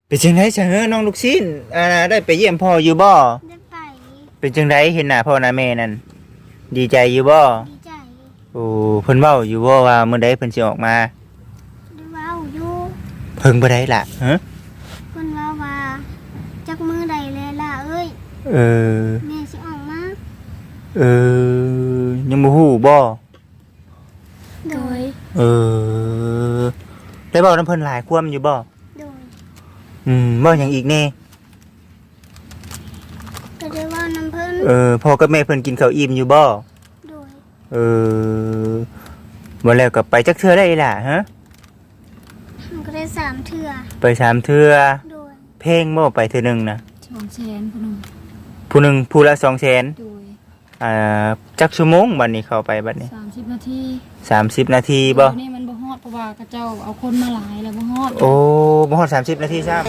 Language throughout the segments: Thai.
เป็นจังได๋ซะเฮ้อน้องลูกชิ้นได้ไปเยี่ยมพ่ออยู่บ่ได้ไปเป็นจังได๋เห็นหน้าพ่อหน้าแม่นั่นดีใจอยู่บ่ดีใจโอ้เพิ่นเว้าอยู่บ่ว่ามื้อใดเพิ่นสิออกมาได้เว้าอยู่เพิ่งบ่ได้ล่ะฮะเพิ่นว่าจักมื้อใดแลล่ะเอ้ยเออแม่สิออกมาเอยังบ่ฮู้บ่โดยเออได้เว้านำเพิ่นหลายความอยู่บ่โดยเว้าหยังอีกแน่ก็ได้เว้านำเพิ่นพ่อกับแม่เพิ่นกินข้าวอิ่มอยู่บ่โดยบ่แล้วก็ไปจักเทื่อได้ล่ะฮะมันก็ได้3เทื่อไป3เทื่อโดยเพลงบ่ไปเทื่อนึงนะ 200,000 ผู้หนึ่งผู้ละ200,000 โดยจักชั่วโมงบัดนี้เข้าไปบัดนี้ 30นาที 30นาทีบ่นี่มันบ่ฮอดเพราะว่าเขาเจ้าเอาคนมาหลายแล้วบ่ฮอดโอ้บ่ฮอด30นาทีซ้ำ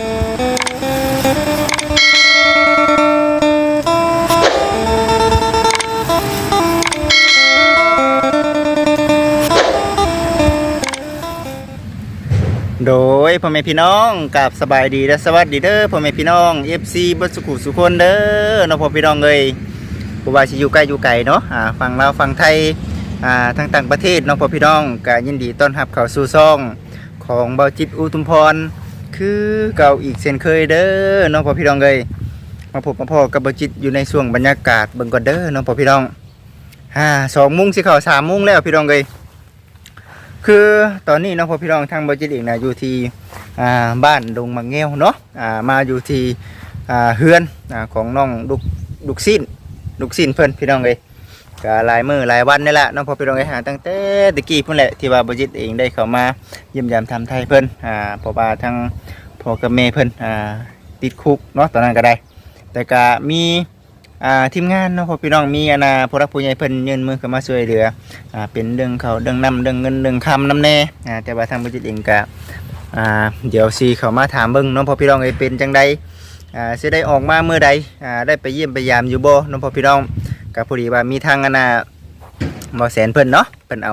โดยพ่อแม่พี่น้องกับสบายดีและสวัสดีเด้อพ่อแม่พี่น้อง FC เบิดสุขุสุคนเด้อเนาะพ่อพี่น้องเอ้ยบ่ว่าสิอยู่ใกล้อยู่ไกลเนาะฝั่งลาวฝั่งไทยทางต่างประเทศเนาะพ่อพี่น้องก็ยินดีต้อนรับเข้าสู่ช่องของเบาจิตอุทุมพรคือเก่าอีกเช่นเคยเด้อเนาะพ่อพี่น้องเอ้ยมาพบมาพ่อกับเบาจิตอยู่ในช่วงบรรยากาศเบิ่งก่อนเด้อเนาะพ่อพี่น้อง2 โมงสิเข้า3 โมงแล้วพี่น้องเอ้ยคือตอนนี้น้องพ่อพี่น้องทางบริจิตเองนะอยู่ที่บ้านดงมังเงี้ยวเนาะมาอยู่ที่เฮือนของน้องลูกสิ้นเพิ่นพี่น้องเลยก็หลายมื้อหลายวันนี่แหละน้องพ่อพี่น้องเลยตั้งแต่ตะกี้เพิ่นแหละที่ว่าบริจิตเองได้เข้ามาเยี่ยมยามทำไทยเพิ่นเพราะว่าทั้งพ่อกับแม่เพิ่นติดคุกเนาะตอนนั้นก็ได้แต่ก็มีทีมงานเนาะพ่อพี่น้องมีผู้รักผู้ใหญ่เพิ่นยื่นมือเข้ามาช่วยเหลือเป็นเรื่องเขาเรื่องน้ำเรื่องเงินเรื่องคำน้ำแน่แต่ว่าทางบริษัทเองก็เดี๋ยวซีเข้ามาถามเบิ่งเนาะพ่อพี่น้องเป็นจังใดสิได้ออกมาเมื่อใดได้ไปเยี่ยมไปยามอยู่บ่เนาะพ่อพี่น้องก็พอดีว่ามีทางหมอแสนเพิ่นเนาะเพิ่นเอา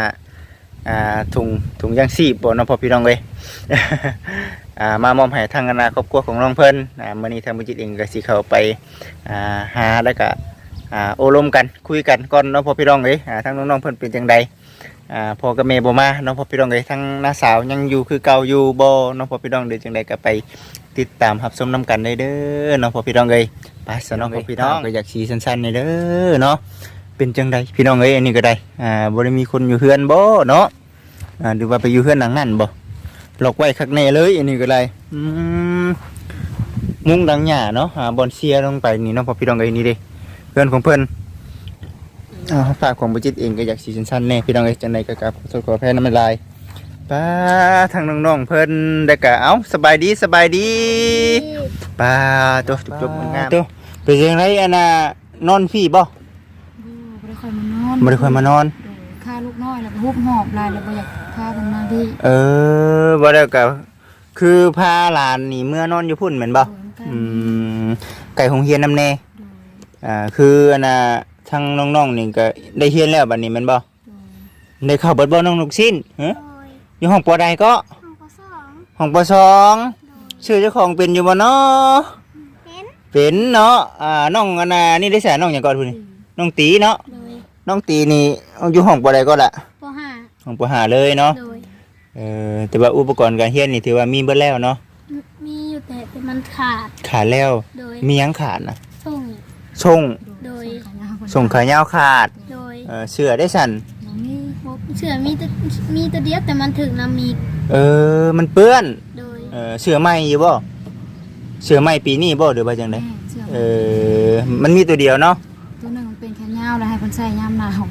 ถุงยางชีพบ่เนาะพ่อพี่น้องเลยมามอมให้ทางครอบครัวของน้องเพิ่นมื้อนี้ทางบริษัทเองก็สิเข้าไปหาแล้วก็โอ้ลมกันคุยกันก่อนเนาะพ่อพี่น้องเลยทางน้องๆเพิ่นเป็นจังใดพ่อกับแม่บ่มาเนาะพ่อพี่น้องเลยทั้งน้าสาวยังอยู่คือเก่าอยู่บ่เนาะพ่อพี่น้องเดี๋ยวจังใดก็ไปติดตามรับชมนํกันได้เด้อเนาะพ่อพี่น้องเลยไปซะเนาะพ่อพี่น้องก็อยากสิสั้นๆนี่เด้อเนาะเป็นจังใดพี่น้องเอ้ยอันนี้ก็ได้บ่ได้มีคนอยู่เฮือนบ่เนาะหรือว่าไปอยู่เฮือนหลังนั้นบ่ล็อกไว้คักแน่เลยอันนี้ก็ได้มุ้งดังหญ้าเนาะบอนเสียลงไปนี่เนาะพ่อพี่น้องเอ้ยนี่เด้เพื่อนของเพิ่นฝากของบุจิตเองก็อยากสีสั้นๆแน่พี่น้องเอ้ยจังได๋ก็กราบขอโทษขออภัยนำหลายป้าทางน้องๆเพิ่นได้ก็เอ้าสบายดีป้าตัวจบๆงามตัวเป็นจังได๋นอนพี่บ่บ่ได้ค่อยมานอนบ่ได้ค่อยมานอนฆ่าลูกน้อยแล้วก็ฮุบหอบหลายแล้วบ่อยากพาเพิ่นมาดิบ่ได้ก็คือพาหลานนี่เมื่อนอนอยู่พุ่นแม่นบ่ไก่โรงเรียนนำแน่คือทางน้องๆนี่ก็ได้เรียนแล้วบัดนี้แม่นบ่ได้เข้าเบิดบ่น้องลูกชิ้นฮะอยู่ห้องปอใดก็ห้องป.2ชื่อเจ้าของเป็นอยู่บ่เนาะเป็นเนาะน้องนี่ได้แสนน้องหยังก่อนพุ่นนี่น้องตีเนาะน้องตีนี่อยู่ห้องปอใดก็ล่ะป .5 ห้องป .5 เลยเนาะแต่ว่าอุปกรณ์การเรียนนี่ถือว่ามีเบิดแล้วเนาะมีอยู่แต่มันขาดแล้วมีหยังขาดน่ะส่งโดยส่งขายาวขาดโดยเสื้อได้สั่นเสื้อมีตัวเดียวแต่มันถึงน้ำมีมันเปื้อนโดยเสื้อใหม่อยู่บ่เสื้อใหม่ปีนี้บ่หรือว่าจังได๋มันมีตัวเดียวเนาะตัวนึงมันเป็นแขนยาวแล้วให้เพิ่นใส่ยามหนาว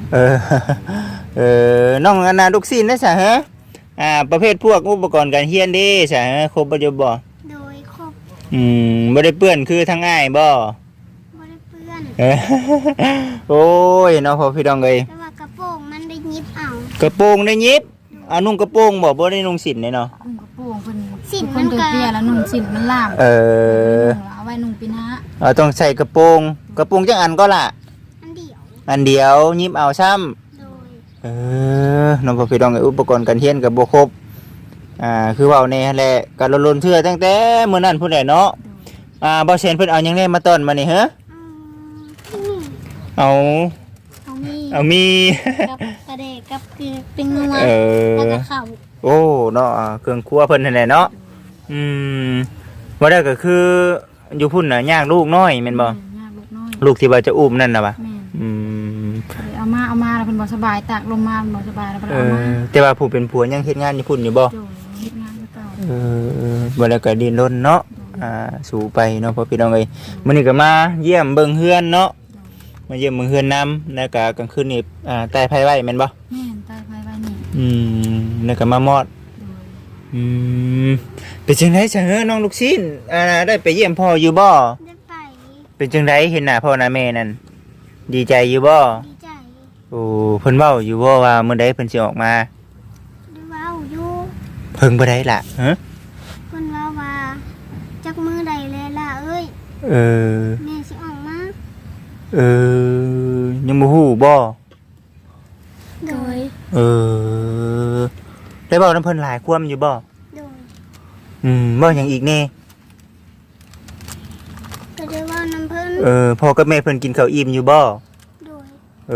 น้องลูกศิษย์ได้ซะฮะประเภทพวกอุปกรณ์การเรียนเด้ซะครบบ่อยู่บ่โดยครบบ่ได้เปื้อนคือทางอ้ายบ่โอ้ยน้องพ่อพี่น้องเอ้ยแต่ว่ากระโปรงมันได้ยิบเอากระโปรงได้ยิบนุ่งกระโปรงบ่ได้นุ่งสินเนาะนุ่งกระโปรงเพิ่นสินมันก็เปียแล้วนุ่งสินมันล่ามเอาไว้นุ่งปีนะต้องใส่กระโปรงจังอันก็ล่ะอันเดียวยิบเอาซ้ำน้องพ่อพี่น้องเอ้ยอุปกรณ์การเรียนก็บ่ครบคือเว้าแน่หั่นแหละก็ลนๆเทื่อตั้งแต่มื้อนั้นพุ่นแหละเนาะบ่แซนเพิ่นเอาหยังแน่มาต้อนมานี่เหรอนี่เอาเอามีเอามีกับกระเดกกับเกลือเป็นนัวเอแล้วอก็ข้าวโอ้เนาะเครื่องครัวเพิ่นนั่นแหละเนาะว่าได้ก็คืออยู่พุ่นน่ะย่างลูกน้อยแม่นบ่ยากลูกน้อยลูกที่ว่าจะอุ้มนั่นน่ะบ่แม่นอืมเอามาแล้วเพิ่นบ่สบายตากลมมาเพิ่นบ่สบายแล้วเพิ่นเอามาแต่ว่าผู้เป็นผัวยังเฮ็ดงานอยู่พุ่นอยู่บ่โดยเฮ็ดงานคือเก่าบ่แล้วก็ดิ้นรนเนาะสู่ไปเนาะพ่อพี่น้องเอ้ยมื้อนี้ก็มาเยี่ยมเบิ่งเฮือนเนาะมาเยี่ยมเบิ่งเฮือนนำแล้วก็กลางคืนนี่ใต้ไผไว้แม่นบ่แม่นตายภายไว้นี่แล้วก็มามอดโดยเป็นจังได๋ซะเฮ้อน้องลูกชิ้นได้ไปเยี่ยมพ่ออยู่บ่ได้ไปเป็นจังไดเห็นหน้าพ่อหน้าแม่นั่นดีใจอยู่บ่ดีใจโอ้เพิ่นเว้าอยู่บ่ว่ามื้อใดเพิ่นสิออกมาได้เว้าอยู่เพิ่งบ่ได้ล่ะฮะเพิ่นว่าจักมือใดแล้วล่ะเอ้ยเออแม่สิออกมายังบ่ฮู้บ่โดยได้เว้านำเพิ่นหลายความอยู่บ่โดยเว้าหยังอีกแน่ก็ได้เว้านำเพิ่นพ่อกับแม่เพิ่นกินข้าวอิ่มอยู่บ่โดย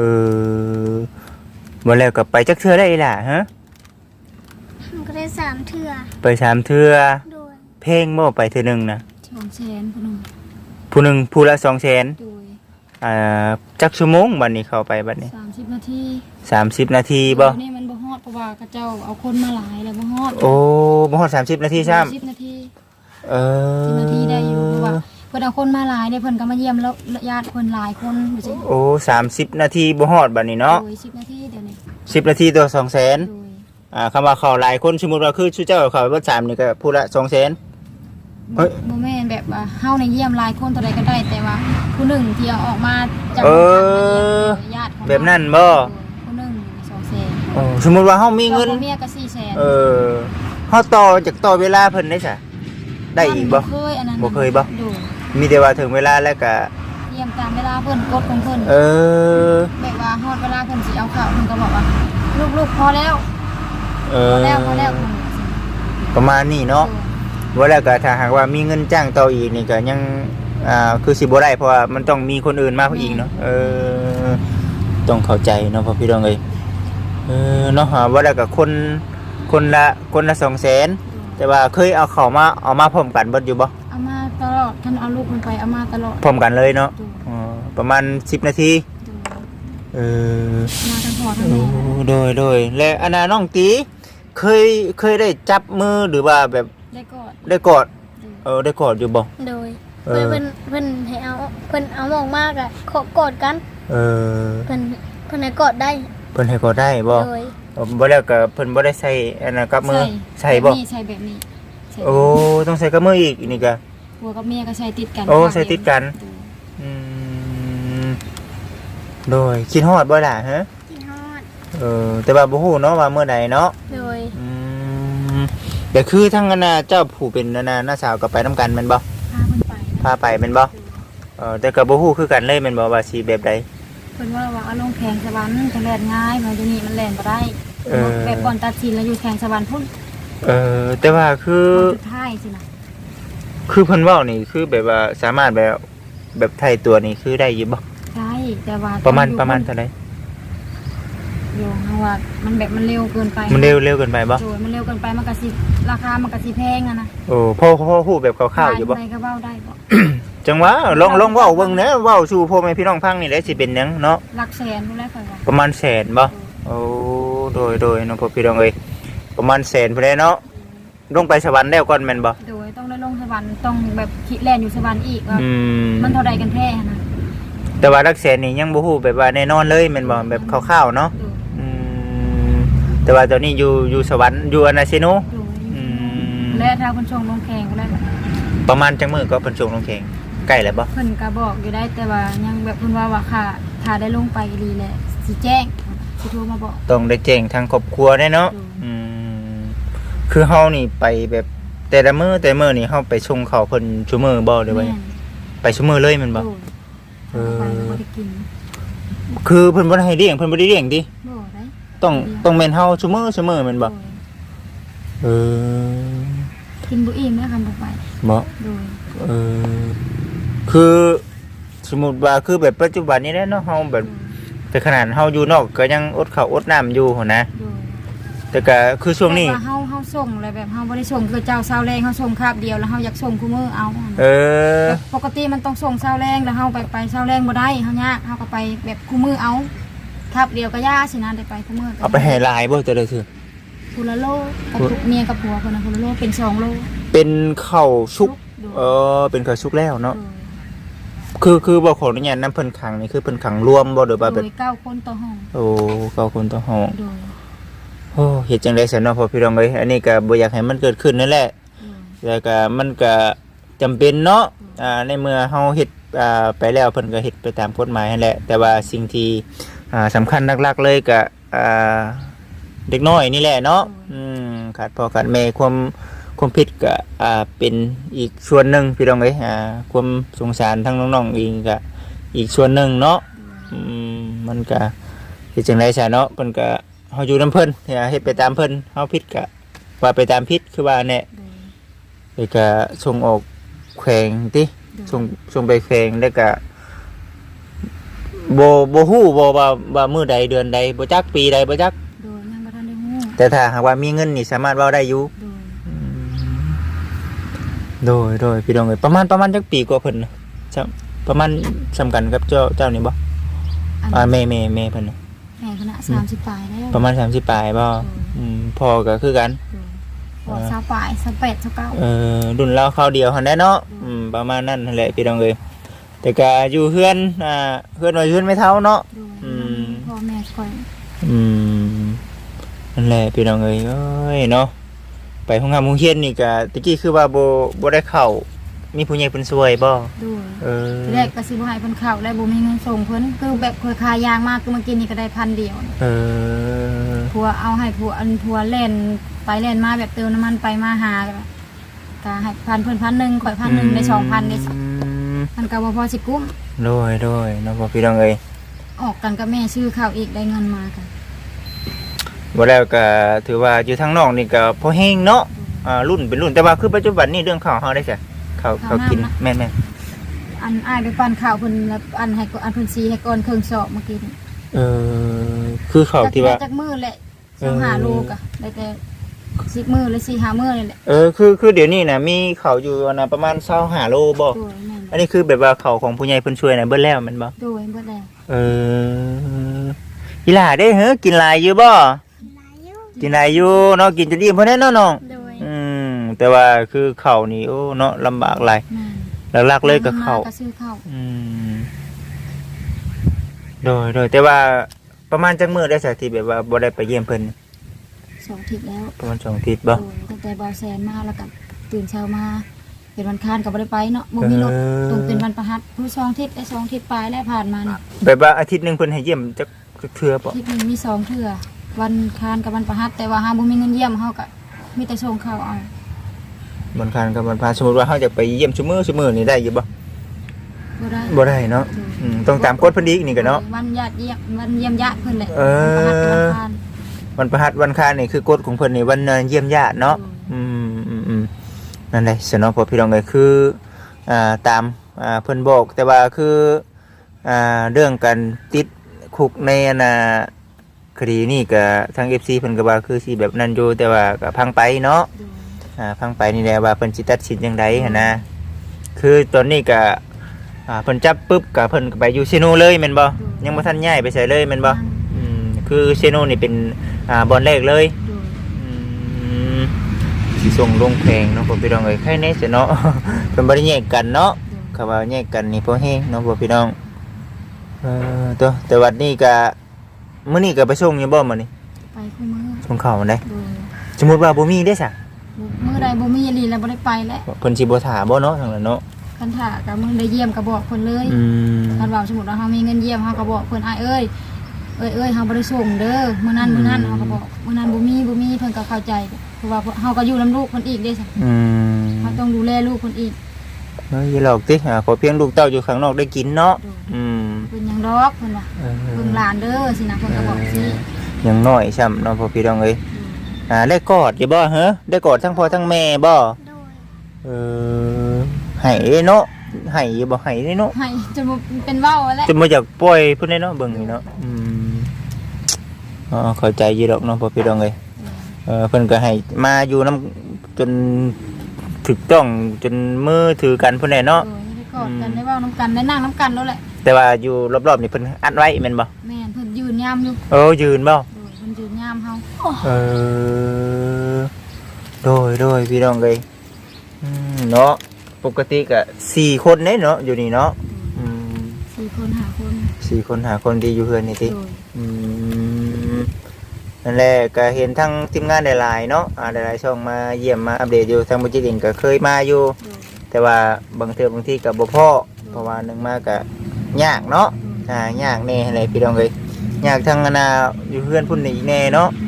บ่แล้วก็ไปจักเทื่อได้ล่ะฮะมันก็ได้3เทื่อไป3เทื่อโดยเพลงบ่ไปเทื่อหนึงนะ 200,000พุ่นนึงผู้หนึงผู้ละ 200,000 โดยจักชั่วโมงบัดนี้เข้าไปบัดนี้ 30นาที 30 นาทีบ่นี่มันบ่ฮอดเพราะว่าเขาเจ้าเอาคนมาหลายแล้วบ่ฮอดโอ้บ่ฮอด30 นาทีซ้ำ 10นาที 10 นาทีได้อยู่เพราะว่าเพิ่นเอาคนมาหลายได้เพิ่นก็มาเยี่ยมแล้วญาติเพิ่นหลายคนอยู่สิโอ้30 นาทีบ่ฮอดบัดนี้เนาะโดย10นาทีเดี๋ยวนี้ 10 นาทีต่อ 200,000 โดยคำว่าเข้าหลายคนสมมุติว่าคือชื่อเจ้าเข้าไปเบิด3นี่ก็ผู้ละ 200,000 เฮ้ยบ่แม่นแบบว่าเฮาในเยี่ยมหลายคนเท่าใดก็ได้แต่ว่าผู้หนึ่งที่เอาออกมาจากเออญาติของแบบนั้นบ่ผู้หนึ่ง200,000 โอ้สมมุติว่าเฮามีเงินเมียก็400,000 เฮาต่อจากต่อเวลาเพิ่นได้ซะได้อีกบ่เคยอันนั้นบ่เคยบ่โดยมีแต่ว่าถึงเวลาแล้วก็เยี่ยมตามเวลาเพิ่นกดของเพิ่น แบบว่าฮอดเวลาเพิ่นสิเอาข้าวเพิ่นก็บอกว่าลูกๆพอแล้วพอแล้วเพิ่นว่าสิประมาณนี้เนาะว่าแล้วก็ถ้าหากว่ามีเงินจ้างต่ออีกนี่ก็ยังคือสิบ่ได้เพราะว่ามันต้องมีคนอื่นมาอีกเนาะต้องเข้าใจเนาะพ่อพี่น้องเอ้ยเนาะว่าแล้วก็คนละ200,000แต่ว่าเคยเอาเข้ามาเอามาพร้อมกันเบิดอยู่บ่เอามาตลอดท่านเอาลูกมันไปเอามาตลอดพร้อมกันเลยเนาะประมาณ10 นาทีมาทั้งพ่อทั้งแม่โดยและอนาน้องตีเคยได้จับมือหรือว่าแบบได้กอดได้กอดได้กอดอยู่บ่โดยเพิ่นให้เอาเพิ่นเอาออกมากอ่ะขอกอดกันเพิ่นให้กอดได้เพิ่นให้กอดได้บ่โดยบ่แล้วก็เพิ่นบ่ได้ใส่อันนั้นกับมือใส่บ่ใส่แบบนี้โอ้ต้องใส่กับมืออีกนี่ก็ผัวกับเมียก็ใส่ติดกันโอ้ใส่ติดกัน โดยคิดฮอดบ่ล่ะฮะกินฮอดแต่ว่าบ่ฮู้เนาะว่าเมื่อใดเนาะโดยแต่คือทั้งอันน่ะเจ้าผู้เป็นอันน่ะน้าสาวก็ไปนํกันแม่นบ่พาเพิ่นไปพาไปแม่นบ่แต่ก็บ่ฮู้คือกันเลยแม่นบ่ว่าสิแบบใดเพิ่นว่าเอาลงแข่งสวรรค์จะแล่นง่ายมาอยู่นี่มันแล่นบ่ได้แบบก่อนตัดสินแล้วอยู่แข่งสวรรค์พุ่นแต่ว่าคือสุดท้ายสินะคือเพิ่นเว้านี่คือแบบว่าสามารถแบบไทยตัวนี่คือได้อยู่บ่ใช่แต่ว่าประมาณเท่าไหร่โยงว่ามันแบบมันเร็วเกินไปมันเร็วเกินไปบ่โดยมันเร็วเกินไปมันก็สิราคามันก็สิแพงอะนะโอ้พ่อฮู้แบบคร่าวๆอยู่บ่ใครก็เว้าได้บ่จังหวะลองเว้าเบิ่งแหน่เว้าสู่พ่อแม่พี่น้องฟังนี่แหละสิเป็นหยังเนาะหลักแสนพุ่นแหละค่อยว่าประมาณแสนบ่โอ้โดยน้องพ่อพี่น้องเอ้ยประมาณแสนพุ่นแหละเนาะลงไปสวรรค์แล้วก่อนแม่นบ่โดยต้องได้ลงสวรรค์ต้องแบบคิดแล่นอยู่สวรรค์อีกว่ามันเท่าใดกันแท้นะแต่ว่าหลักแสนนี่ยังบ่ฮู้แบบว่าแน่นอนเลยแม่นบ่แบบคร่าวๆเนาะแต่ว่าตอนนี้อยู่สวรรค์อยู่อนาซิโนโดยและถ้าคนชงลงแข่งก็ได้ประมาณจังมื้อก็เพิ่นส่งลงแข่งใกล้แล้วบ่เพิ่นก็บอกอยู่ได้แต่ว่ายังแบบเพิ่นว่าค่ะถ้าได้ลงไปดีแหละสิแจ้งสิโทรมาบอกต้องได้แจ้งทางครอบครัวได้เนาะคือเฮานี่ไปแบบแต่ละมื้อนี่เฮาไปส่งเขาเพิ่นซุมื้อบ่ได้ไว้ไปซุมื้อเลยแม่นบ่ไปบ่ได้กินคือเพิ่นบ่ได้ให้เลี้ยงเพิ่นบ่ได้เลี้ยงติบ่ได้ต้องแม่นเฮาซุมื้อแม่นบ่เออกินบ่อิ่มแล้วคำบ่ไปบ่โดยเออคือสมมุติว่าคือแบบปัจจุบันนี้แหละเนาะเฮาแบบแต่ขนาดเฮาอยู่นอกก็ยังอดข้าวอดน้ำอยู่หั่นนะโดยแต่ก็คือช่วงนี้แต่ว่าเฮาส่งอะไรแบบเฮาบ่ได้ส่งคือเจ้าเช้าแรงเฮาส่งคาบเดียวแล้วเฮาอยากส่งคู่มื้อเอาเออแบบปกติมันต้องส่งเช้าแรงแล้วเฮาไปเช้าแรงบ่ได้เฮายากเฮาก็ไปแบบคู่มื้อเอาคาบเดียวก็ยากสินะได้ไปคู่มื้อเอาไปให้หลายบ่แต่ละซื่อคนละโลกับเมียกับผัวคนละโลเป็น2โลเป็นข้าวชุกโดยเป็นข้าวชุกแล้วเนาะโดยคือบ่ขออนุญาตนำเพิ่นขังนี่คือเพิ่นขังรวมบ่หรือว่าโดแบบย9คนต่อห้องโอ้เก้าคนต่อห้องโดยโอ้เฮ็ดจังได๋ซั่นเนาะพ่อพี่น้องเอ้ยอันนี้ก็บ่อยากให้มันเกิดขึ้นนั่นแหละ แล้วก็มันก็จำเป็นเนาะในเมื่อเฮาเฮ็ดไปแล้วเพิ่นก็เฮ็ดไปตามกฎหมายนั่นแหละแต่ว่าสิ่งที่สำคัญหลักๆเลยก็เด็กน้อยนี่แหละเนาะขาดพ่อขาดแม่ความผิดก็เป็นอีกส่วนหนึ่งพี่น้องเอ้ยความสงสารทั้งน้องๆเองก็อีกส่วนหนึ่งเนาะมันก็เฮ็ดจังได๋ซะเนาะเพิ่นก็เฮาอยู่นำเพิ่นเฮ็ดไปตามเพิ่นเฮาผิดก็ว่าไปตามผิดคือว่าแน่แล้วก็ส่งออกแขวงติส่งไปแขวงแล้วก็บ่ฮู้บ่ว่ามื้อใดเดือนใดบ่จักปีใดบ่จักโดยยังบ่ทันได้ฮู้แต่ถ้าหากว่ามีเงินนี่สามารถเว้าได้อยู่ โดยพี่น้องเอ้ยประมาณจักปีกว่าเพิ่นน่ะประมาณสำคัญกับเจ้านี่บ่แม่เพิ่นน่ะแม่คณะ30ปลายแล้วประมาณ30ปลายบ่พ่อก็คือกันพอ20ปลาย28 29 รุ่นเราคราวเดียวหั่นแหละเนาะประมาณนั้นนั่นแหละพี่น้องเอ้ยแต่ก็อยู่เฮือนเฮือนไว้เฮือนไม่เท่าเนาะพ่อแม่คอยนั่นแหละพี่น้องเอ้ยเนาะไปห้องน้ำโรงเรียนนี่ก็ตะกี้คือว่าบ่ได้เข้ามีผู้ใหญ่เพิ่นช่วยบ่แรกก็สิบ่ให้เพิ่นเข้าแล้วบ่มีเงินส่งเพิ่นคือแบบเคยขายยางมากคือเมื่อกี้นี่ก็ได้1,000เดียวผัวเอาให้ผัวเล่นไปเล่นมาแบบเติมน้ำมันไปมาหาก็ให้1,000เพิ่น1,000ข่อย1,000ได้2,000ได้มันก็บ่พอสิกุ้มโดยเนาะพี่น้องเอ้ยออกกันกับแม่ซื้อข้าวอีกได้เงินมากันบ่แล้วก็ถือว่าอยู่ทางนอกนี่ก็พอแห้งเนาะรุ่นเป็นรุ่นแต่ว่าคือปัจจุบันนี่เรื่องข้าวเฮาได้จ้ะข้าวกินแม่นอันอ้ายไปปั่นข้าวเพิ่นแล้วอันให้อันเพิ่นซีให้ก่อนเครื่องสอบเมื่อกี้คือข้าวที่ว่าจักมื้อแหละ25โลก็ได้แต่10มื้อหรือ4-5มื้อนี่แหละคือเดี๋ยวนี้น่ะมีข้าวอยู่นะประมาณ25โลบ่อันนี้คือแบบว่าข้าวของผู้ใหญ่เพิ่นช่วยน่ะเบิดแล้วแม่นบ่โดยเบิดแล้วอีหล่าได้กินหลายอยู่บ่กินหลายอยู่เนาะกินจนอิ่มเพิ่นแน่เนาะน้องแต่ว่าคือข้าวนี่โอ้เนาะลำบากหลายหลักๆเลยก็ข้าวโดยแต่ว่าประมาณจักมื้อได้สักทีแบบว่าบ่ได้ไปเยี่ยมเพิ่น 2 อาทิตย์แล้วประมาณ2 อาทิตย์บ่ตั้งแต่บ่าวแสนมาแล้วก็ตื่นเช้ามาเป็นวันค้านก็บ่ได้ไปเนาะบ่มีรถตรงเป็นวันประหัสผู้2 อาทิตย์ได้2 อาทิตย์ปลายแล้วผ่านมานี่แบบว่าอาทิตย์นึงเพิ่นให้เยี่ยมจักเทื่อบ่อาทิตย์นึงมี2 เทื่อวันค้านกับวันประหัสแต่ว่าเฮาบ่มีเงินเยี่ยมเฮาก็มีแต่ส่งข้าวเอาวันค้านกับวันพระสมมุติว่าเฮาจะไปเยี่ยมซุมื้อนี่ได้อยู่บ่บ่ได้เนาะต้องตามกฎเพิ่นอีกนี่ก็เนาะวันญาติเยี่ยมวันเยี่ยมญาติเพิ่นแหละวันประหัสวันค้านนี่คือกฎของเพิ่นนี่วันเยี่ยมญาติเนาะนั่นแหละสนอพอพี่น้องเอ้ยคือตามเพิ่นบอกแต่ว่าคือเรื่องการติดคุกในคดีนี่ก็ทาง FC เพิ่นก็ว่าคือสิแบบนั้นอยู่แต่ว่าก็พังไปเนาะพังไปนี่แหละว่าเพิ่นสิตัดสินจังได๋หั่นนะคือตอนนี้ก็เพิ่นจับปึ๊บก็เพิ่นก็ไปอยู่เซโนเลยแม่นบ่ยังบ่ทันย้ายไปไสเลยแม่นบ่คือเซโนนี่เป็นบ่อนแรกเลยสิส่งลงแพงเนาะพ่อพี่น้องเอ้ยใครแน่ซะเนาะเพิ่นบ่ได้แยกกันเนาะเขาว่าแยกกันนี่พอแฮงเนาะพ่อพี่น้องแต่วันนี้ก็มื้อนี้ก็ไปส่งอยู่บ่มื้อนี้ไปคู่มื้อส่งข้าวได้สมมุติว่าบ่มีได้ซะมื้อใดบ่มีอีหลีแล้วบ่ได้ไปแล้วเพิ่นสิบ่ท่าบ่เนาะทางนั้นเนาะคันท่าก็มื้อได้เยี่ยมก็บอกเพิ่นเลยคันว่าสมมุติว่าเฮามีเงินเยี่ยมเฮาก็บอกเพิ่นอ้ายเอ้ยเฮาบ่ได้ส่งเด้อมื้อนั้นเฮาก็บอกมื้อนั้นบ่มีเพิ่นก็เข้าใจเพราะว่าเฮาก็อยู่นำลูกเพิ่นอีกเด้ซะเฮาต้องดูแลลูกเพิ่นอีกอย่าหลอกติขอเพียงลูกเต้าอยู่ข้างนอกได้กินเนาะเป็นหยังดอกเพิ่นว่าเพิ่นหลานเด้อสินะเพิ่นก็บอกสิยังน้อยช่ำเนาะพ่อพี่น้องเอ้ยได้กอดอยู่บ่เหรอได้กอดทั้งพ่อทั้งแม่บ่โดยเออให้เนาะให้อยู่บ่ให้เนาะให้จนบ่เป็นเว้าแล้วจะมาอยากปล่อยเพิ่นได้เนาะเบิ่งนี่เนาะเข้าใจอยู่ดอกเนาะพ่อพี่น้องเอ้ยเพิ่นก็ให้มาอยู่นํจนถูกต้องจนมือถือกันเพิ่นได้เนาะได้กอดกันได้เว้านํกันได้นั่งนํกันแล้วแหละแต่ว่าอยู่รอบๆนี่เพิ่นอัดไว้แม่นบ่แม่นเพิ่นยืนยามอยู่ยืนบ่โดยเพิ่นยืนยามเฮาโดยพี่น้องเอ้ยเนาะปกติก็4คนเด้เนาะอยู่นี่เนาะ 4คน5คน 4คน5คนดีอยู่เฮือนนี่ติโดยนั่นแหละก็เห็นทั้งทีมงานหลายๆเนาะหลายๆช่องมาเยี่ยมมาอัปเดตอยู่ทางบุจิติงก็เคยมาอยู่แต่ว่าบางเทื่อบางทีก็บ่พอเพราะว่านึงมาก็ยากเนาะยากแน่อะไรพี่น้องเอ้ยยากทั้งนาอยู่เพื่อนพุ่นนี่แน่เนาะ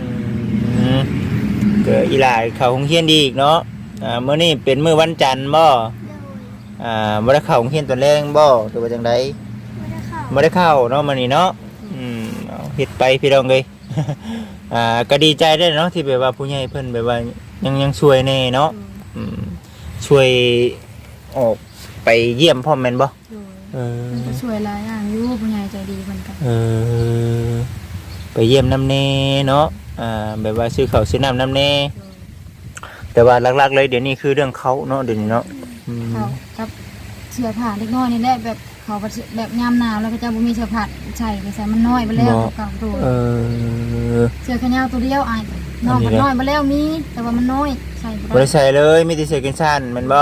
ก็อีหลายเข้าโรงเรียนดีอีกเนาะมื้อนี้เป็นมื้อวันจันทร์บ่โดยบ่ได้เข้าโรงเรียนตอนแรงบ่หรือว่าจังได๋ไม่ได้เข้าบ่ได้เข้าเนาะมื้อนี้เนาะเอาเฮ็ดไปพี่น้องเอ้ย ก็ดีใจได้เนาะที่แบบว่าผู้ใหญ่เพิ่นแบบว่ายังช่วยแน่เนาะช่วยออกไปเยี่ยมพ่อแม่นบ่โดยเพิ่นก็ช่วยหลายอย่างอยู่ผู้ใหญ่ใจดีเพิ่นก็ไปเยี่ยมน้ำแน่เนาะแบบว่าซื้อข้าวซื้อน้ำน้ำแน่แต่ว่าหลักๆเลยเดี๋ยวนี้คือเรื่องเขาเนาะเดี๋ยวนี้เนาะเขากับเสื้อผ้าเล็กน้อยนี่แหละแบบเขาแบบยามหนาวแล้วก็จะบ่มีเสื้อผ้าใส่ไปใส่มันน้อยไปแล้วเก่าตัวเสื้อแขนยาวตัวเดียวอ้ายน้องมันน้อยไปแล้วมีแต่ว่ามันน้อยใส่บ่บ่ได้ใส่เลยมีแต่เสื้อแขนสั้นแม่นบ่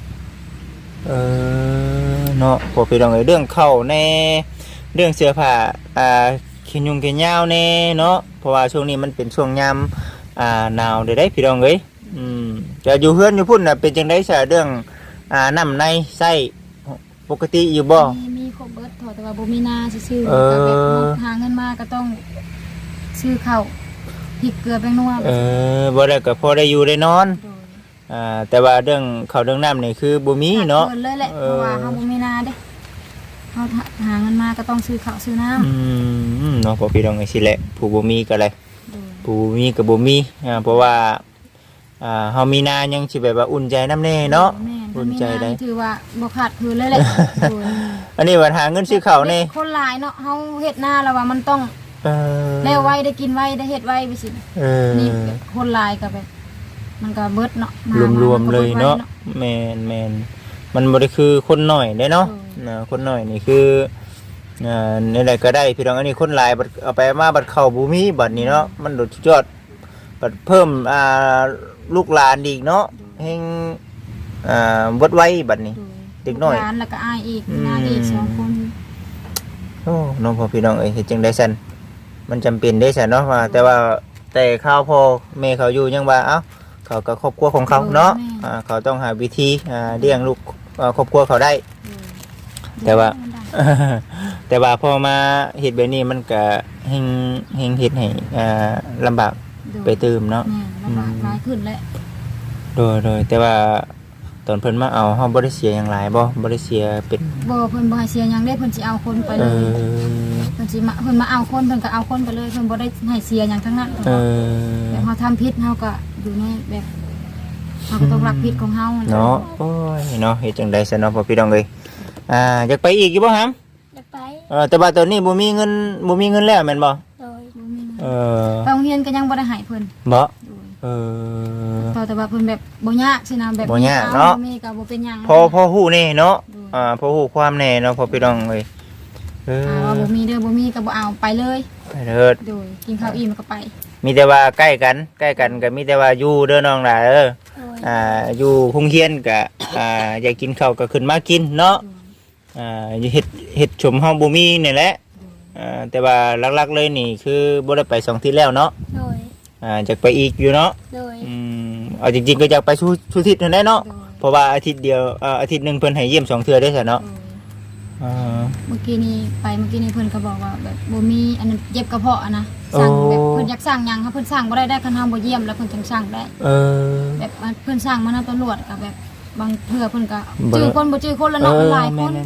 เนาะพอพี่น้องเอ้ยเรื่องเข้าแน่เรื่องเสื้อผ้าเขียนยุงเขียนยาวแน่เนาะเพราะว่าช่วงนี้มันเป็นช่วงยามหนาวได้พี่น้องเอ้ยจะอยู่เฮือนอยู่พุ่นน่ะเป็นจังได๋ซะเรื่องน้ำในไส้ปกติอยู่บ่มีครบเบิดแต่ว่าบ่มีนาซื่อๆก็แบบหาเงินมาก็ต้องซื้อข้าวพริกเกลือแป้งนัวบ่ได้ก็พอได้อยู่ได้นอนแต่ว่าเรื่องข้าวเรื่องน้ำนี่คือบ่มีเนาะเลยแหละเพราะว่าเฮาบ่มีนาเด้เฮาหาเงินมาก็ต้องซื้อข้าวซื้อน้ำเนาะพอพี่น้องไอ้สิแหละผู้บ่มีก็เลยผู้มีก็บ่มีเพราะว่าเฮามีนายังสิแบบว่าอุ่นใจน้ำแน่เนาะอุ่นใจได้ถือว่าบ่ขาดคืนเลยแหละอันนี้ว่าหาเงินซื้อข้าวนี่คนหลายเนาะเฮาเฮ็ดนาแล้วว่ามันต้องแล้วไว้ได้กินไว้ได้เฮ็ดไว้ไปสินี่คนหลายก็แบบมันก็เบิดเนาะรวมๆเลยเนาะแม่นมันบ่ได้คือคนน้อยได้เนาะคนน้อยนี่คือนี่แหละก็ได้พี่น้องอันนี้คนหลายบัดเอาไปมาบัดเข้าบ่มีบัดนี้เนาะมันโดดยอดบัดเพิ่มลูกหลานอีกเนาะแฮงเบิดไว้บัดนี้เด็กน้อยหลานแล้วก็อายอีกนางอีก2คนโอ้น้องพ่อพี่น้องเอ้ยเฮ็ดจังได๋ซั่นมันจำเป็นได้ซั่นเนาะว่าแต่ข้าวพ่อแม่เขาอยู่ยังว่าเอ้าเขาก็ครอบครัวของเขาเนาะเขาต้องหาวิธีเลี้ยงลูกครอบครัวเขาได้แต่ว่าพอมาเฮ็ดแบบนี้มันก็เฮงเฮ็ดให้ลำบากไปเติมเนาะลำบากหลายขึ้นแล้วโดยแต่ว่าตอนเพิ่นมาเอาเฮาบ่ได้เสียหยังหลายบ่ได้เสียเป็นบ่เพิ่นบ่ให้เสียหยังเด้เพิ่นสิเอาคนไปเลยเพิ่นมาเอาคนเพิ่นก็เอาคนไปเลยเพิ่นบ่ได้ให้เสียหยังทั้งนั้นแต่เฮาทำผิดเฮาก็อยู่ในแบบเฮาก็ต้องรับผิดของเฮาเนาะโอ้ยเนาะเฮ็ดจังได๋ซะเนาะพ่อพี่น้องเอ้ยอยากไปอีกอยู่บ่ฮัมอยากไปแต่ว่าตอนนี้บ่มีเงินแล้วแม่นบ่โดยบ่มีเงินไปโรงเรียนก็ยังบ่ได้ให้เพิ่นบ่แต่ว่าเพิ่นแบบบ่ยากสินะแบบบ่ยากเนาะมีก็บ่เป็นหยังพอฮู้แน่เนาะพอฮู้ความแน่เนาะพ่อพี่น้องเอ้ยว่าบ่มีเด้อบ่มีก็บ่เอาไปเลยไปเถิดโดยกินข้าวอิ่มก็ไปมีแต่ว่าใกล้กันก็มีแต่ว่าอยู่เด้อน้องหล่ะอยู่โรงเรียนก็อยากกินข้าวก็ขึ้นมากินเนาะอยู่เฮ็ดชมเฮาบ่มีนี่แหละแต่ว่าหลักๆเลยนี่คือบ่ได้ไป2ที่แล้วเนาะโดยอยากไปอีกอยู่เนาะโดยเอาจริงๆก็อยากไปสุทิศนั่นแหละเนาะเพราะว่าอาทิตย์เดียวอาทิตย์นึงเพิ่นให้เยี่ยม2เทื่อได้ซะเนาะเมื่อกี้นี้เพิ่นก็บอกว่าแบบบ่มีอันนั้นเจ็บกระเพาะนะสั่งแบบเพิ่นอยากสั่งหยังเพิ่นสั่งบ่ได้คันเฮาบ่เยี่ยมแล้วเพิ่นจังสั่งได้แบบเพิ่นสั่งมานำตำรวจก็แบบบางเทื่อเพิ่นก็จื้อคนบ่จื้อคนแล้วเนาะหลายคน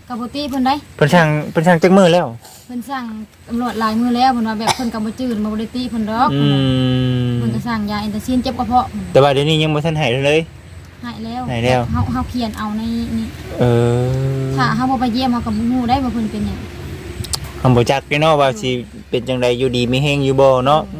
กับบ่ตีเพิ่นได้เพิ่นสั่งจักมื้อแล้วเพิ่นสั่งตำรวจหลายมื้อแล้วเพิ่นว่าแบบเพิ่นก็บ่จืดบ่ได้ตีเพิ่นดอก เพิ่นก็สั่งยาแอนตาซินเจ็บกระเพาะแต่ว่าเดี๋ยวนี้ยังบ่ทันให้เลยหายแล้วหายแล้วเฮาเขียนเอาในนี่เออถ้าเฮาบ่ไปเยี่ยมเฮาก็บ่ฮู้ได้ว่าเพิ่นเป็นหยังคำบ่จักเนาะว่าสิเป็นจังไดอยู่ดีมีแฮงอยู่บ่เนาะ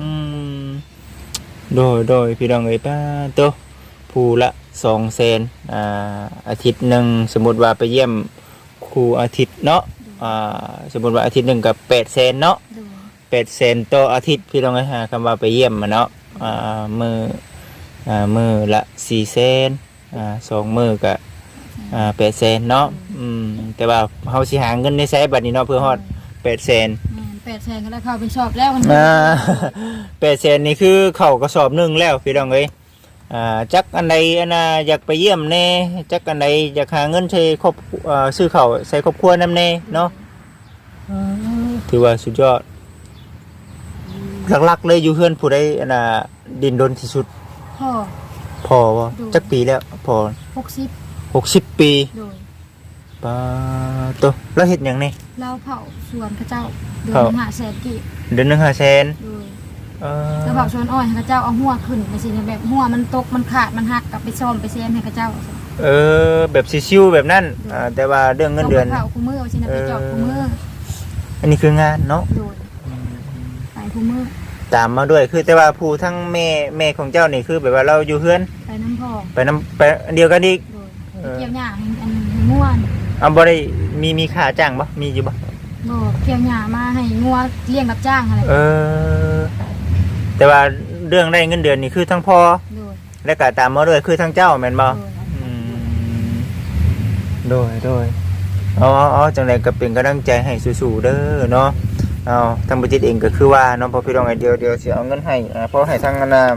โดยพี่น้องเอ้ยป้าโตผู้ละ200,000อาทิตย์หนึงสมมุติว่าไปเยี่ยมครูอาทิตย์เนาะสมมุติว่าอาทิตย์หนึงก็800,000เนาะโดย 800,000ต่ออาทิตย์พี่น้องเอ้ยคำว่าไปเยี่ยมมาเนาะมื้อละ400,000 2มื้อก็800,000เนาะแต่ว่าเฮาสิหาเงินในไสบัดนี้เนาะเพื่อฮอด800,000 800,000ก็ได้เข้าไปชอบแล้วมัน 800,000นี่คือเข้ากระสอบหนึงแล้วพี่น้องเอ้ยจักอันใดอันน่ะอยากไปเยี่ยมแน่จักอันใดอยากหาเงินใช้ครอบซื้อข้าวใส่ครอบครัวนำแน่เนาะถือว่าสุดยอดหลักๆเลยอยู่เฮือนผู้ใดอันน่ะดินดนที่สุดพ่อพอบ่จักปีแล้วพอ 60 ปีโดยปาโตแล้วเฮ็ดหยังนี่เราเผาสวนเขาเจ้าเดือเผาน500,000กีบเดือนหนึง500,000 โดยแล้วเผาสวนอ้อยให้เขาเจ้าเอาหัวขึ้นไปสิแบบหัวมันตกมันขาดมันหักกลับไปซ่อมไปแซมให้เขาเจ้าแบบชิวๆแบบนั้นแต่ว่าเรื่องเงินเดือนเผาคู่มือสินะไปจอบคู่มืออันนี้คืองานเนาะโดยไปคู่มือตามมาด้วยคือแต่ว่าผู้ทั้งแม่ของเจ้านี่คือแบบว่าเราอยู่เฮือนไปน้ำพองไปอันเดียวกันอีกโดยเกี่ยวหญ้าให้อันง่วนบ่ได้มีค่าจ้างบ่มีอยู่บ่บ่เกี่ยวหญ้ามาให้งัวเลี้ยงรับจ้างอะไรแต่ว่าเรื่องได้เงินเดือนนี่คือทั้งพ่อโดยและก็ตามมาด้วยคือทั้งเจ้าแม่นบ่โดยโดยอ๋อจังไดก็เป็นกำลังใจให้สู้ๆเด้อเนาะทางบัญชีเองก็คือว่าน้องพอพี่น้องไอเดียวสิเอาเงินให้เพราะให้ทาง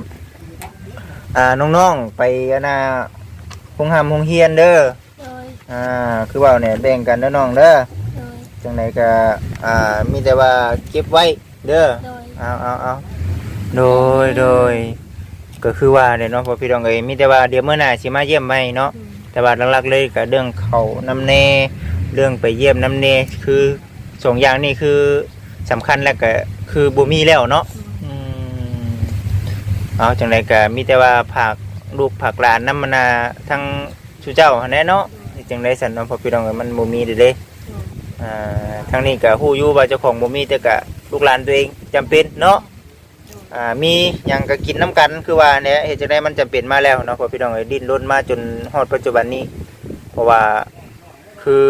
น้องๆไปโรงเรียนเด้อโดยคือว่าเนี่ยแบ่งกันเด้อน้องเด้อโดยจังไดก็มีแต่ว่าเก็บไว้เด้อโดยเอาโดยก็คือว่าเนี่ยเนาะพอพี่น้องเอ้ยมีแต่ว่าเดี๋ยวมื้อหน้าสิมาเยี่ยมใหม่เนาะแต่ว่าหลักๆเลยก็เรื่องเขาน้ำเนเรื่องไปเยี่ยมน้ำเนคือสองอย่างนี่คือสำคัญแล้วก็คือบ่มีแล้วเนาะเอาจังไดก็มีแต่ว่าผักลูกผักหลานน้ำมนาทั้งชูเจ้าหั่นแหละเนาะจังได๋ซั่นเนาะพอพี่น้องเอ้ยมันบ่มีเด้ทั้งนี้ก็ฮู้อยู่ว่าเจ้าของบ่มีแต่ก็ลูกหลานตัวเองจำเป็นเนาะมีหยังก็กินน้ำกันคือว่าเนี่ยเฮ็ดจังได๋มันจำเป็นมาแล้วเนาะพอพี่น้องเอ้ยดิ้นรนมาจนฮอดปัจจุบันนี้เพราะว่าคือ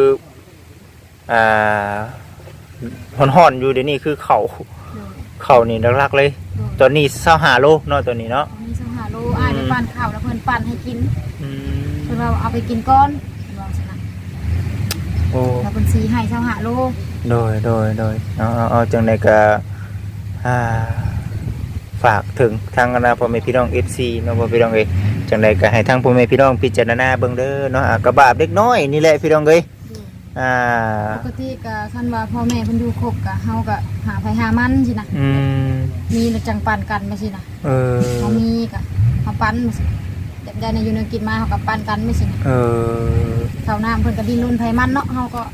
ฮ้อนๆอยู่เดี๋ยวนี้คือเขานี่หลักๆเลยตอนนี้25โลเนาะตัวนี้เนาะมีสังหาโลอ้ายไปปั่นข้าวแล้วเพิ่นปั่นให้กินเพิ่นว่าเอาไปกินก้อนว่าซั่นน่ะโอ้แล้วเพิ่นสีให้สังหาโลโดยเอาจังได๋ก็ฝากถึงทางพ่อแม่พี่น้อง FC เนาะพ่อพี่น้องเอ้ยจังไดก็ให้ทางพ่อแม่พี่น้องพิจารณาเบิ่งเด้อเนาะกระบาบเล็กน้อยนี่แหละพี่น้องเอ้ยปกติก็คันว่าพ่อแม่เพิ่นอยู่ครบก็เฮาก็หาไผหามันสินะมีแล้วจังปั่นกันไปสินะเฮามีก็เฮาปั่นมาสิได้ในอยู่ในกินมาเฮาก็ปั่นกันไปสินะข้าวน้ำเพิ่นก็ดิ้นรนไผมันเนาะเฮาก็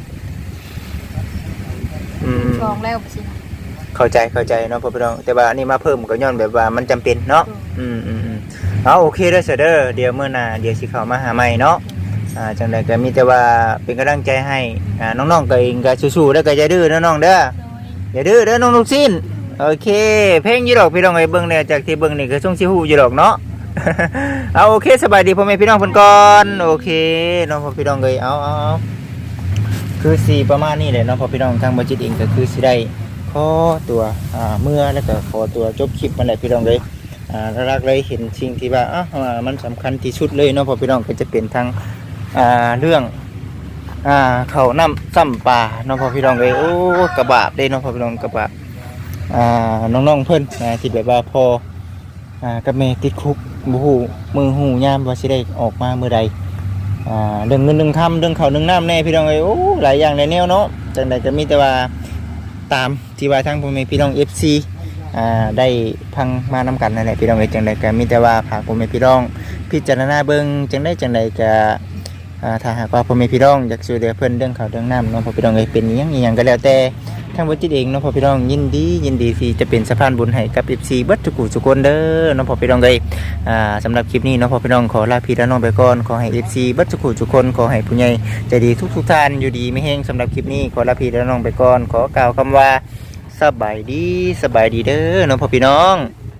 ลองแล้วไปสินะเข้าใจเนาะพ่อพี่น้องแต่ว่าอันนี้มาเพิ่มก็ย้อนแบบว่ามันจำเป็นเนาะเอาโอเคเด้อเด้อเดี๋ยวมื้อหน้าเดี๋ยวสิเข้ามาหาใหม่เนาะจังไดก็มีแต่ว่าเป็นกำลังใจให้น้องๆก็เองก็สู้ๆแล้วก็อย่าดื้อเด้อน้องเด้ออย่าดื้อเด้อน้องลูกชิ้นโอเคเพลงอยู่ดอกพี่น้องเอ้ยเบิ่งเนี่ยจากที่เบิ่งนี่ก็ส่งสิฮู้อยู่ดอกเนาะ เอาโอเคสบายดีพ่อแม่พี่น้องเพิ่นก่อนโอเคน้องพ่อพี่น้องเอ้ยเอาคือสิประมาณนี้แหละเนาะพ่อพี่น้องทางบ่จิตเองก็คือสิได้ขอตัวเมื่อแล้วก็ขอตัวจบคลิปมันแหละพี่น้องเอ้ยรักเลยเห็นสิ่งที่ว่ามันสำคัญที่สุดเลยเนาะพ่อพี่น้องก็จะเป็นทางเรื่องเขาน้ำซ้ำปลาน้องพ่อพี่น้องเลยโอ้กระบาดได้น้องพ่อพี่น้องกระบาดน้องๆเพิ่นที่แบบว่าพอกับแม่ติดคุกบูหูมือหูยามว่าสิได้ออกมาเมื่อใดเรื่องเงินเรื่องคำเรื่องเขาเรื่องน้ำแน่พี่น้องเลยโอ้หลายอย่างหลายแนวเนาะจังใดก็มีแต่ว่าตามที่ว่าทั้งพ่อแม่พี่น้อง FC ได้พังมานำกันนั่นแหละพี่น้องเลยจังใดก็มีแต่ว่าฝากพ่อแม่พี่น้องพิจารณาเบิ่งจังใดก็ถ้าหากว่าพ่อแม่พี่น้องอยากช่วยเหลือเพิ่นเรื่องข้าวเรื่องน้ำเนาะพ่อพี่น้องเอ้ยเป็นอิหยังก็แล้วแต่ทางบ่จิตเองเนาะพ่อพี่น้องยินดีที่จะเป็นสะพานบุญให้กับ FC เบิดทุกคนเด้อเนาะพ่อพี่น้องเอ้ยสำหรับคลิปนี้เนาะพ่อพี่น้องขอลาพี่ลาน้องไปก่อนขอให้ FC เบิดทุกคนขอให้ผู้ใหญ่ใจดีทุกท่านอยู่ดีไม่แห้งสำหรับคลิปนี้ขอลาพี่ลาน้องไปก่อนขอกล่าวคำว่าสบายดีเด้อเนาะพ่อพี่น้อง